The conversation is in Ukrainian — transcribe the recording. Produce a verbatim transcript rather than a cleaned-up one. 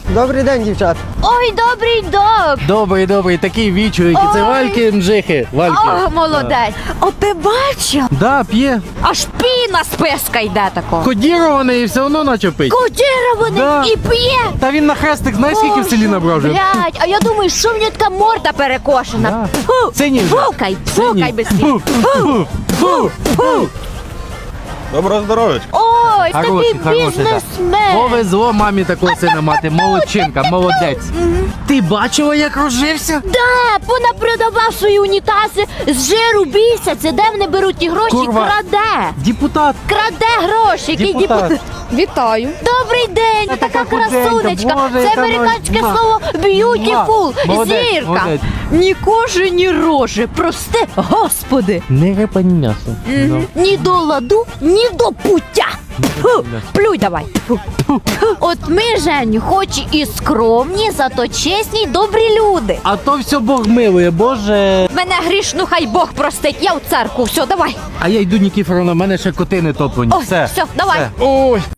Добрий день, дівчат. Ой, добрий док. Добрий, добрий, такий вічують. Це Вальки Мжихи. Вальки. О, молодець. О, ти бачив? Да, п'є. Аж піна з писка йде тако. Кодірований і все одно наче пить. Кодірований Да. і п'є. Та він на хрестик, знаєш, скільки в селі набрав вже? Блядь, а я думаю, що в нього така морда перекошена. Да. Фу, Синій вже. фукай, фукай без слів. Фу, фу, фу, фу. Доброго здоров'я. Ой, Хороший, такий хороший, бізнесмен. Повезло мамі такого сина мати. Молодчинка, молодець. Ти бачила, як розжився? Да, понапродавав свої унітази з жиру бійся. Це де вони беруть ті гроші? Курва. Краде. Депутат. Краде гроші. Який Депутат. депутат? Вітаю. Добрий день, ви така така худенька, красунечка. Боже, Це яка американське вона. слово beautiful. Молодець, Зірка. молодець. Ні кожи, ні рожи. Прости, господи. Не репа, ні м'ясо. Мгм. Ні до ладу, ні до пуття. Фу, плюй давай. Фу. Фу. От ми, Женю, хоч і скромні, зато чесні й добрі люди. А то все Бог милує, Боже. Мене грішну, хай Бог простить. Я в церкву. Все, давай. А я йду, Нікіфоровна, в мене ще коти не топлені. Ой, все, давай. Ой.